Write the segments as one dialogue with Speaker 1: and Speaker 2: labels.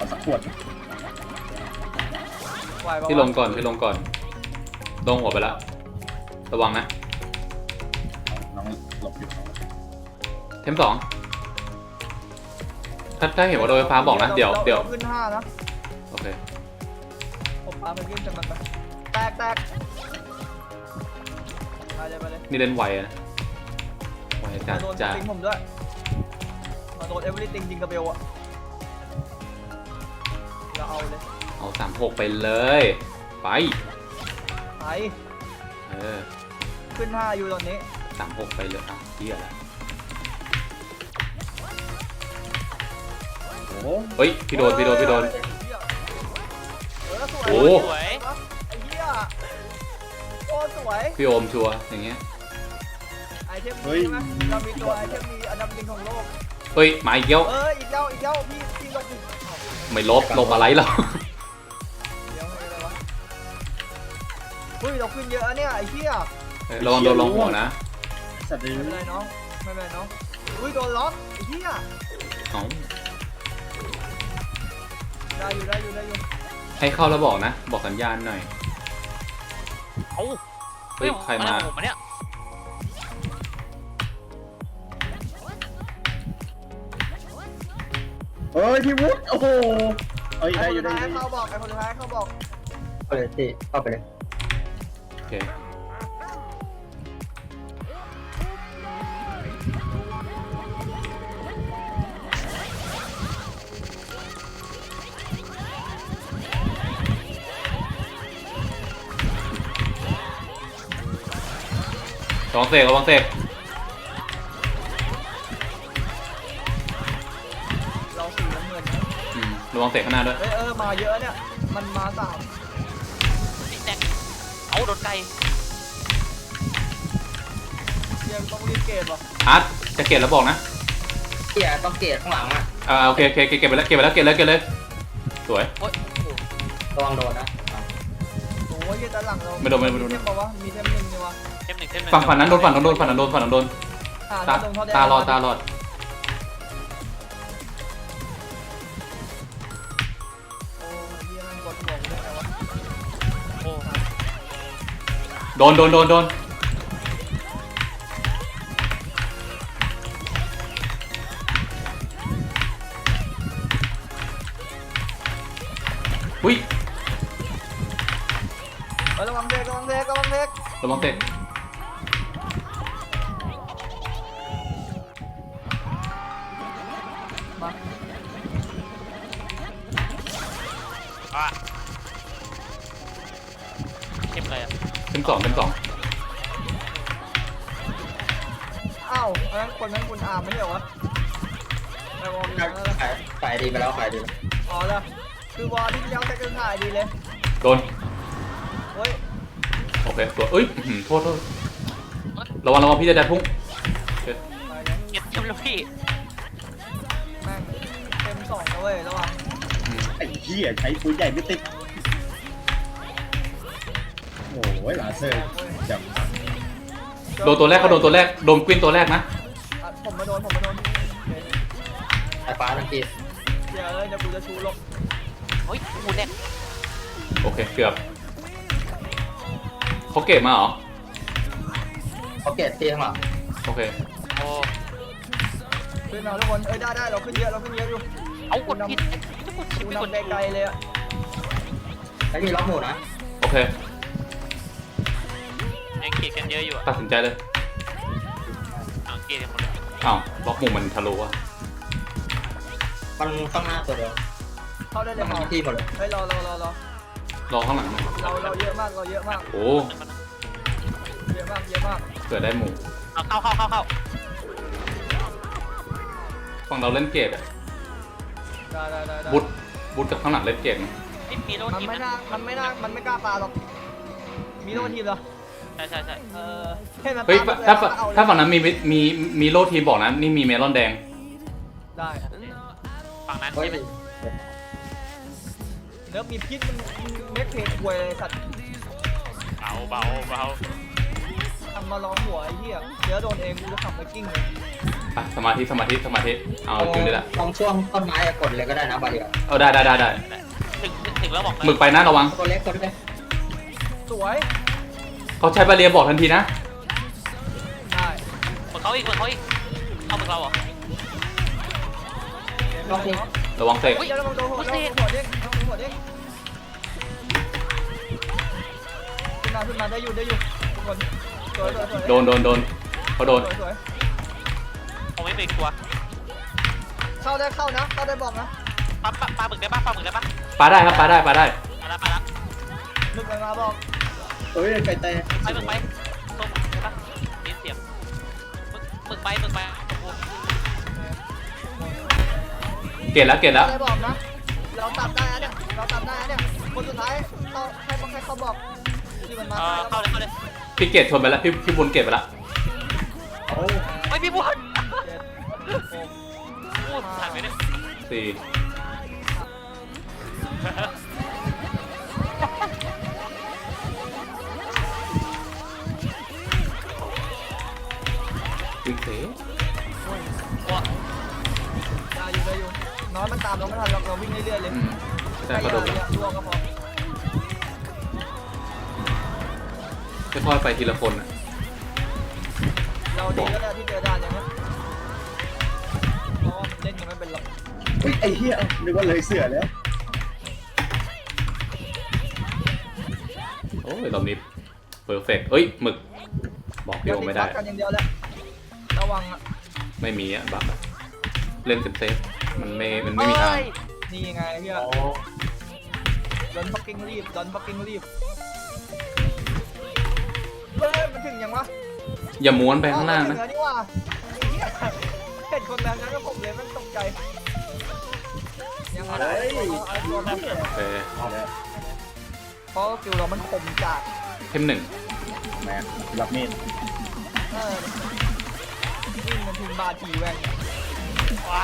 Speaker 1: สักขวด
Speaker 2: พี่ลงก่อนลงหัวไปแล้วระวังนะ
Speaker 1: น้องหลบอยู่
Speaker 2: เทม2ถ้าเห็นว่าโดนไฟฟ้าบอกนะเดี๋ยว
Speaker 3: ขึ้น5นะ
Speaker 2: โอเค
Speaker 3: ผมปาไปขึ้นจังมันไปแตกไปเลย
Speaker 2: นี่เล่นไวนะไวจัดจ้า
Speaker 3: ผมด้วยมาโดนเอเวอร์ติงจริงกระเบลอะเราเอาเลย
Speaker 2: เอา36ไปเลยไป
Speaker 3: ขึ้น5อยู่ตอนนี้
Speaker 2: 36ไปเลยเที่ยแล้วเฮ้ยพี่โดนโอ้
Speaker 3: สวยไอ้เหี้ยโอ้สวย
Speaker 2: พี่โอมชัวร์อย่างเงี้ย
Speaker 3: ไอเทมมีใช่ไหมเรามีตัวไอเทมมีอันดับหนึ่งของโลก
Speaker 2: เฮ้ยมาอีกแล้ว
Speaker 3: อีกแล้วพี่ลบ
Speaker 2: ไม่ลบอะไรหรอก
Speaker 3: เดี๋ยวอะไรวะเฮ้ยเราขึ้นเยอะเนี่ยไอ้เหี้ย
Speaker 2: ระวังโดนลงหัวนะ
Speaker 1: สัตว์ดี
Speaker 3: ไม่เป็นไรน้องอุ้ยโดนล็อกไอ้เหี้ยได้อยู่
Speaker 2: ให้เข้าแล้วบอกนะบอกสัญญาณหน่อยเฮ้ยใครมา
Speaker 1: เฮ้ยพี่วุฒิโอ้โหเฮ้ยได้อยู่ได้
Speaker 3: เขาบอกไอ้คนสุดท้ายเขาบอก
Speaker 1: ไปเลยสิเข้าไปเลย
Speaker 2: โอเคระวังเสก
Speaker 3: เราสีน้ำเงิน
Speaker 2: ระวังเสกข้างหน้าด้วย
Speaker 3: มาเยอะเนี่ยมันมา3
Speaker 4: แตกเอาโดนไก่
Speaker 3: ยังต้องรีบเกตป่ะ
Speaker 2: อาร์ตจะเกตแล้วบอกนะ
Speaker 3: ต้องเกตข้างหลัง
Speaker 2: โอเคเก็บไปแล้วเก็บเลยสวย
Speaker 3: ระวังโดนนะโอ้ยด้านหลังเรา
Speaker 2: ไม่โดน
Speaker 3: เทมบอกว่ามีเทมหนึ่งเนี่ยวะ
Speaker 2: ฝั่งนั้นโดนตาลอดโดนอุ้ย
Speaker 3: ระวังเด็กมา
Speaker 4: เข้มเลย
Speaker 2: เต็ม2
Speaker 3: อ้าวคนนั้นคุณอาร์มไม่ใช่เหรอวะไอ้วอลมีแล้ว
Speaker 1: ขายดีไปแล้ว
Speaker 3: อ๋อแล้วคือวอลที่เลี้ยวแต่ก็ขายดีเลย
Speaker 2: โดนโอเคตัวโทษระวังพี่จะได้พุ่ง
Speaker 4: เก็บแล้วพี่
Speaker 3: แม่งเต็ม2นะเว้ยระวัง
Speaker 1: ไอ้เหี้ยใช้ปืนใหญ่ไม่ติดโอ้ยลาเซอร์จับ
Speaker 2: โดนตัวแรกโดนกวินตัวแรกนะ
Speaker 3: ผมมาโดน
Speaker 1: ไอ้ฟ้าทังกี
Speaker 3: เดี๋ยวกูจะชูลง
Speaker 4: กูแดก
Speaker 2: โอเคเกือบเขาเก็บมาเหรอ
Speaker 1: เขาเก็บตีข้างหลัง
Speaker 2: โอเค
Speaker 3: ขึ้นเอาทุกคนได้เราขึ้นเยอะอยู่
Speaker 4: เอากดผิด
Speaker 3: กูนำไกลเลยอะ
Speaker 1: ไอ้มีล็อกหมูนะ
Speaker 2: โอเค
Speaker 4: ยังเกลียดกันเยอะอยู่
Speaker 2: ตัดสินใจเลย
Speaker 4: เกลียดกันหมดเลย
Speaker 2: ล็อกมุมมันทะลุอะ
Speaker 1: มันข้างหน้าตัวเดียว
Speaker 3: เข้าได้เลย
Speaker 1: ที่หมดเลย
Speaker 3: ร
Speaker 2: อข้างหลัง
Speaker 3: เราเยอะมาก
Speaker 2: โอ้
Speaker 3: เยอะมาก
Speaker 2: เกิดได้หมู่
Speaker 4: เข้า
Speaker 2: ฝั่งเราเล่นเกตอะ
Speaker 3: ได้
Speaker 2: บุดกับข้างหลังเล่นเกต
Speaker 3: มันไม่กล้าปาหรอกมีโลทีมเหรอ
Speaker 4: ใช่
Speaker 2: เฮ้ยถ้าฝั่งนั้นมีโลทีมบอกนะนี่มีเมลอนแดง
Speaker 3: ได้
Speaker 4: ฝั่งนั้นใช่ไหม
Speaker 3: เนื้อมีพิษมันเม็ดเพลควยเลยสัตว์
Speaker 4: เบา
Speaker 3: ทำมาล้อมหัวไอ้เหี้ยเดี๋ยวโดนเองกูจะขับไปกิ้งเลย
Speaker 2: ไปสมาธิเอาจริงด้วยละ
Speaker 5: ตรงช่วงต้นไม้กดเลยก็ได้นะบาเดียว
Speaker 2: เอาได้
Speaker 4: ถึงแล้วบอก
Speaker 2: หมึกไปนะระวัง
Speaker 5: ตัวเล็กตัวเล็ก
Speaker 3: สวย
Speaker 2: เขาใช้บาเรียบอกทันทีนะ
Speaker 3: ได้
Speaker 4: เหมือนเขาอีกเอาเหมือนเราเหรอ
Speaker 5: ลองดิ
Speaker 2: ระวังเสก
Speaker 3: เดี๋ยวเราโดนหัวเด้งหัวเด้งหัวเด้งขึ้นมาได้อยู่ทุกคนสวย
Speaker 2: โดนเขาโดน
Speaker 3: สวย
Speaker 4: ผมไม่เป็นกลัว
Speaker 3: เข้านะเข้าได้บอกนะ
Speaker 4: ปลาหมึกได้ปะ
Speaker 2: ปาได้ครับปาได้
Speaker 4: มาแล้ว
Speaker 3: มึกมาบอก
Speaker 1: เฮ้ยไก่แตก
Speaker 4: ไปหมึกไปตรงได้ปะนี่เสียงหมึกไป
Speaker 2: เกตแล้ว
Speaker 3: ได้บอกนะเราตัดได้เนี่ยคนสุดท้ายเราให้เขาบอกที่มันมา
Speaker 4: เข้าเลย
Speaker 2: พี่เกตชนไปแล้วพี่บุญเกตไปแล้ว
Speaker 1: โอ้
Speaker 4: ไม่พี่บุญพูดทันไหมเนี่ย
Speaker 2: สี่วิ่งเส
Speaker 3: ได้อยู่น้อยมันตามเราไม่ทันเราวิ่งเรื่อยๆเลย
Speaker 2: แต่กระโดด
Speaker 3: ล่วงก็พอ
Speaker 2: ค่อยๆไปทีละคนอ่ะ
Speaker 3: เราดีแล้วแหละที่เจอด่านอย่างนี้เพราะว่าเล่นยังไม่เป็นหรอก
Speaker 1: เฮ้ยไอ้เหี้ยนึกว่าเลยเสือแล้ว
Speaker 2: โอ้ยรอบนี้เพอร์เฟกต์เอ้ยหมึกบอกพี่โอไม่ได้
Speaker 3: กันอย่างเดียวแหละระวังอ่ะ
Speaker 2: ไม่มีอ่ะบักเล่นเซฟมันไม่มีทาง
Speaker 3: นี่ไงพี่ดอนฟักกิ้งรีบเฮ้ยมันถึงยังวะ
Speaker 2: อย่าม้วนไปข้างล่างนะ
Speaker 3: นี่ว่าเห็นคนแบบนั้นก็ผมเลยมันตกใจยังไง
Speaker 2: โอเค
Speaker 3: เพราะคิวเรามันคมจัด
Speaker 2: เข้มหนึ่ง
Speaker 1: แม่รับมีด
Speaker 3: วิ่งมันถึงบาทีแว่น
Speaker 4: ว้าย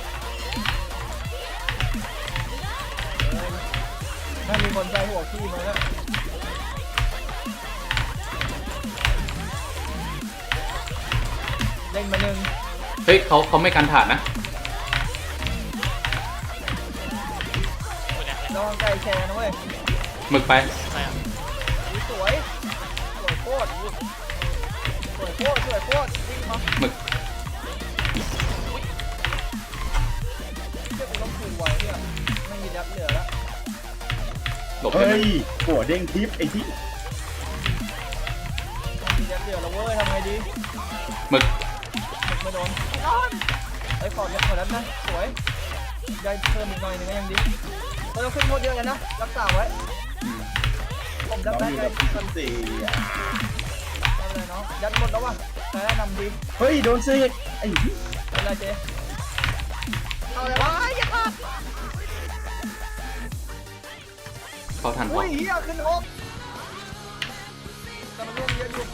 Speaker 3: น่ามีคนใส่หัวขี้มาแล้วเล่นมาหนึ่ง
Speaker 2: เฮ้ยเขาไม่กันถาดนะ
Speaker 3: ระวังไก่แชร์นะเว้ย
Speaker 2: หมึกไป
Speaker 3: สวยโคตรวิ่งมา
Speaker 2: หมึก
Speaker 3: เจ้ากูต้องขู่ไว้เนี่ยไม่มียับเหลือแล้ว
Speaker 2: หลบได้
Speaker 1: เฮ้
Speaker 2: ไหม
Speaker 1: ยหัวเด้งทิปไอ้ที่
Speaker 3: ไม่มียับเหลือแล้วเว้ยทำไงดี
Speaker 2: หมึก
Speaker 3: ไม่โดนไอ้ขอดนั้นนะสวยได้เพิ่มอีกหน่อยนึงก็ยังดีเราขึ้นโคตรเยอะกันนะรักษาไว้
Speaker 2: อืม
Speaker 3: ผม
Speaker 1: น้
Speaker 3: ดั
Speaker 1: อบ ง
Speaker 3: ได้
Speaker 1: มี
Speaker 3: ไง
Speaker 1: แบบพันสี่
Speaker 3: ไม่เป็นไรเนาะยัดหมดแล้ววะแต่นำดี
Speaker 1: เฮ้ยโดนเสกไอ้
Speaker 3: เป็นไรเจ๊เอาเลยวะอย่าพลาด
Speaker 2: เขาทันพอ
Speaker 3: อุ้ยเฮียขึ้นหกแต่มันร่วงเยอะอยู่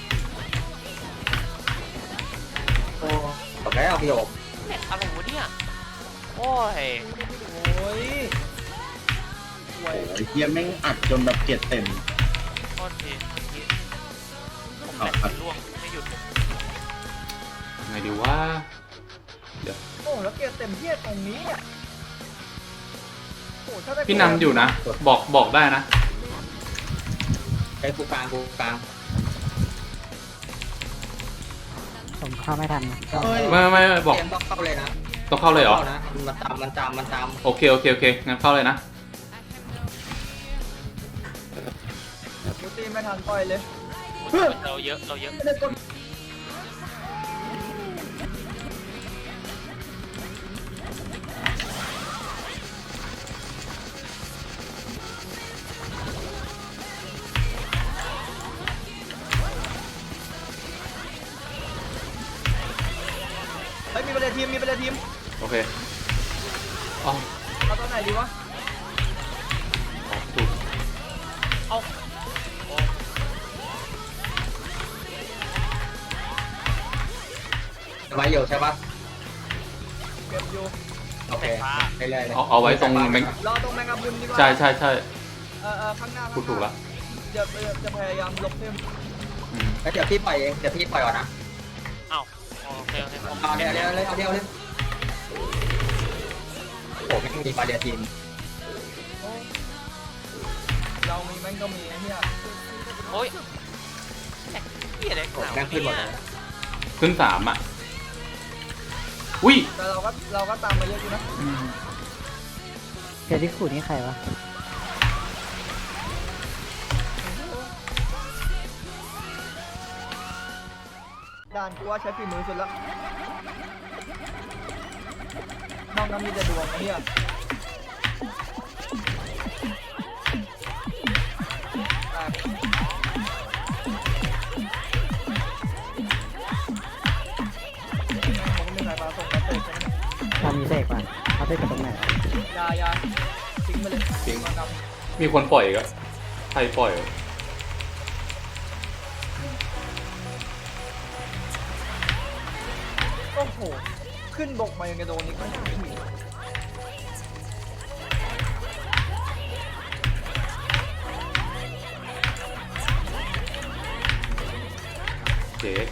Speaker 5: โอ้ตกแล้วพี่โอ
Speaker 4: อะไรวะเนี่ยโอ้ย
Speaker 3: โอ้ยสวย
Speaker 1: ไอ้เหี้ยแม่งอัดจนแบบเกลียดเต็ม
Speaker 4: โทษทีผมแหลกล่วงไม่หยุด
Speaker 2: ไงดีว่า
Speaker 3: โอ้แล้วเกียร์เต็มเทียตรงนี้อ่ะโอ้ถ้าได้
Speaker 2: พี่นำอยู่นะ บอกได้นะ
Speaker 5: ไอ้กูกลาง
Speaker 6: ผมเข้าไม่ทัน
Speaker 1: เฮ้ย
Speaker 2: ไม่บอก
Speaker 5: เกมต้องเข้าเลยนะ
Speaker 2: ต้องเข้าเลยเหรอ
Speaker 5: นะมันตาม
Speaker 2: โอเคงั้นเข้าเลยนะ
Speaker 3: ยูตีไม่ทันปล่อยเลย
Speaker 4: เราเยอะ
Speaker 3: เฮ้ยมีเป็นทีม
Speaker 2: โอเคอ๋อ
Speaker 3: เอาตัวไหนดีวะ
Speaker 2: ถูก
Speaker 4: เอา
Speaker 5: ไว้อยู่ใช่ปะ
Speaker 3: เก็บอยู่
Speaker 5: โอเคไปเลย
Speaker 2: เอาไว้ตรงแมง
Speaker 3: รอตรงแมงกะพรุนดีกว่า
Speaker 2: ใช่
Speaker 3: ข้างหน้า
Speaker 2: พูดถูกละ
Speaker 3: จะพยายามลบเพิ่ม
Speaker 2: อืม
Speaker 5: แล้วเดี๋ยวพี่ปล่อยเองเดี๋ยวพี่ปล่อยก่อนนะ
Speaker 4: เอา
Speaker 3: โ
Speaker 4: เคโอเคผม
Speaker 5: เอาเดียวเลยเอาเดียวเลยโอ้ไม่มีบาเรียทีม
Speaker 3: โอ้เรามีแม่งก็มีไอ้เหี้ย
Speaker 4: โอ้ยเหี้ยอะไร
Speaker 5: โอ้
Speaker 4: ขาว
Speaker 5: แม่งขึ้นหมด
Speaker 4: เนี่
Speaker 5: เลย ย
Speaker 2: ขึ้น3อ่ะอุ้ย
Speaker 3: แต่เราก็ตามมาเยอะอยู่นะ
Speaker 6: เดี๋ยวที่ขูดนี่ใครวะ
Speaker 3: ด่านกูว่าใช้ฝีมือสุดละน้องน้ำมีแต่ดวงไอ้เหี้ยแม่งผมก็มีสายฟ้าส่งมาเตะใช่ไหม
Speaker 6: ทำมีเสกป่ะเขาเสกกับตรงไหน
Speaker 3: ยาทิ้งไปเลย
Speaker 2: ทิ้ง
Speaker 3: มากำ
Speaker 2: มีคนปล่อยอีก็ใครปล่อยเหรอ
Speaker 3: โอ้โห ขึ้นบกมายังกระโดนนี่ก็ไม่ถึง
Speaker 2: เจ๊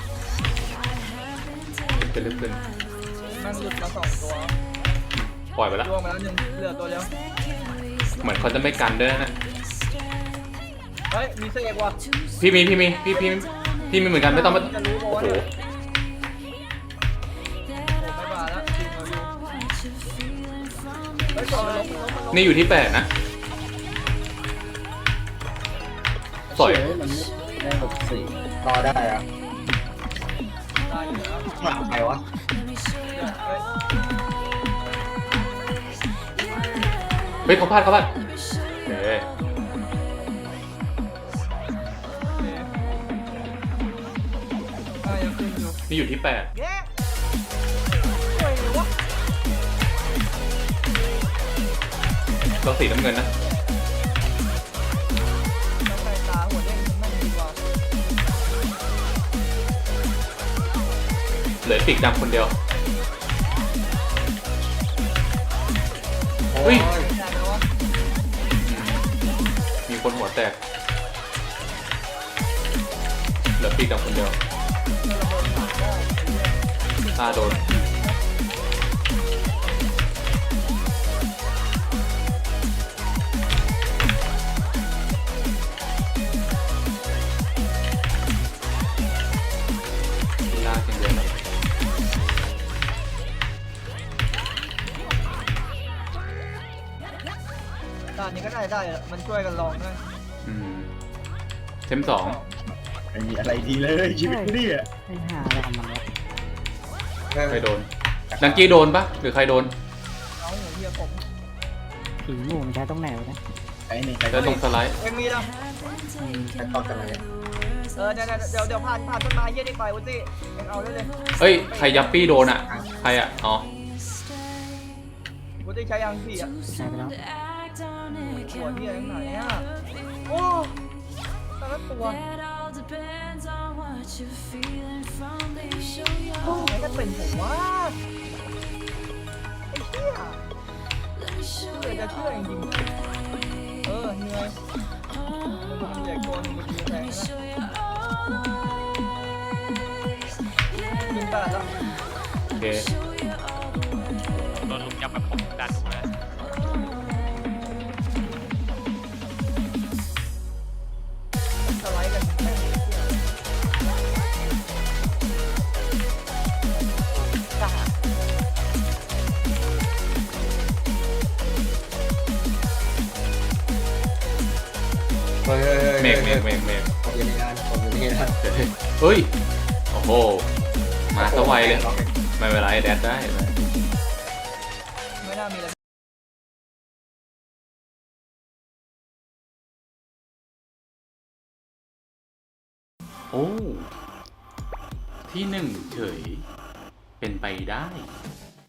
Speaker 2: จะลึกขึ้น
Speaker 3: แม่งหลุดมา2 ตัว
Speaker 2: ปล่อยไปแล้ว
Speaker 3: ล่วงไปแล้ว1เหลือตัวเดียว
Speaker 2: เหมือนเขาจะไม่กันด้วยนะ
Speaker 3: เฮ้ย มีเสกว่ะ
Speaker 2: พี่มีเหมือนกันไม่ต้องมา
Speaker 3: จะรู้บอก
Speaker 2: โอ้
Speaker 3: ว่า
Speaker 2: โห
Speaker 3: เนี่ยไม่บาแล้วทีมเราอยู่เฮ้ยก่อนมันล้ม
Speaker 2: นี่อยู่ที่8นะสอย
Speaker 1: เฮ้ยมันไม่ได้แบบสี่
Speaker 5: รอได้อะ
Speaker 3: ได้อยู่นะ
Speaker 5: หลังใครวะ
Speaker 3: เฮ้ย
Speaker 2: เฮ้ยเขาพลาดเฮ้ย
Speaker 3: ยังขึ้นอยู่
Speaker 2: นี่อยู่ที่8
Speaker 3: แย่สวยวะ
Speaker 2: ต้องสีน้ำเงินนะ
Speaker 3: น้ำลายตาหัวเด้งแม่งดีกว่า
Speaker 2: เหลือปีกดำคนเดียว
Speaker 5: โอ้
Speaker 2: เฮ้
Speaker 5: ย
Speaker 2: ย
Speaker 3: ได้ไหมวะ
Speaker 2: มีคนหัวแตกเหลือปีกดำคนเดียว
Speaker 3: ระเบิดปากหม้อไอ้เหี้ย
Speaker 2: ตาโดนลากอย่างเดียวเลย
Speaker 3: ด่านนี้ก็ได้อะมันช่วยกันลองด้วย
Speaker 2: อืมเทม2
Speaker 1: ไม่มีอะไรดีเลยชีวิตกูเนี่ย
Speaker 6: ให้หาอะไรของมันวะ
Speaker 2: ใครโดนดังกี้โดนปะหรือใครโดน
Speaker 3: เอาหัวเหี้ยผม
Speaker 6: ผีหมู่มันใช้ตรงไหนวะเนี่ย
Speaker 1: ไอ้นี่
Speaker 2: แล้วตรงสไลด์
Speaker 3: เอ็มมีนะ
Speaker 5: ใครต่อกันเลย
Speaker 3: เดี๋ยวผ่านต้นไม้เยี่ยนี่ไปวุ้สิเอ็งเอาได้เลย
Speaker 2: เอ้ยใครยัปปี้โดนอ่ะใครอ่ะอ๋อ
Speaker 3: วุ้สิใช้ยางสี่อ่ะ
Speaker 6: ใช้ไปแล้ว
Speaker 3: หัวเหี้ยทั้งไหนอ่ะโอ้แต่ละตัวโอ้ยก็เป็นผมว่าไอ้เหี้ยเหนื่อยจะเชื่อจริงๆเหนื่อยมันใหญ่โกนมันจะแรงนะยิงตลาดแล้ว
Speaker 2: โอเค
Speaker 4: โดนลุมยำแบบผมดันถูกเลย
Speaker 3: สไลด์กันแม่งจ้า
Speaker 5: เฮ้ย
Speaker 2: เมก
Speaker 5: ผมอยู่ในงานผมอยู่ในงาน
Speaker 2: เฮ้ยโอ้โหมาสวัยเลยไม่เป็นไรแดดได้ไหม
Speaker 3: ไม่น่ามีอะไร
Speaker 2: โอ้ที่1เฉยเป็นไปได้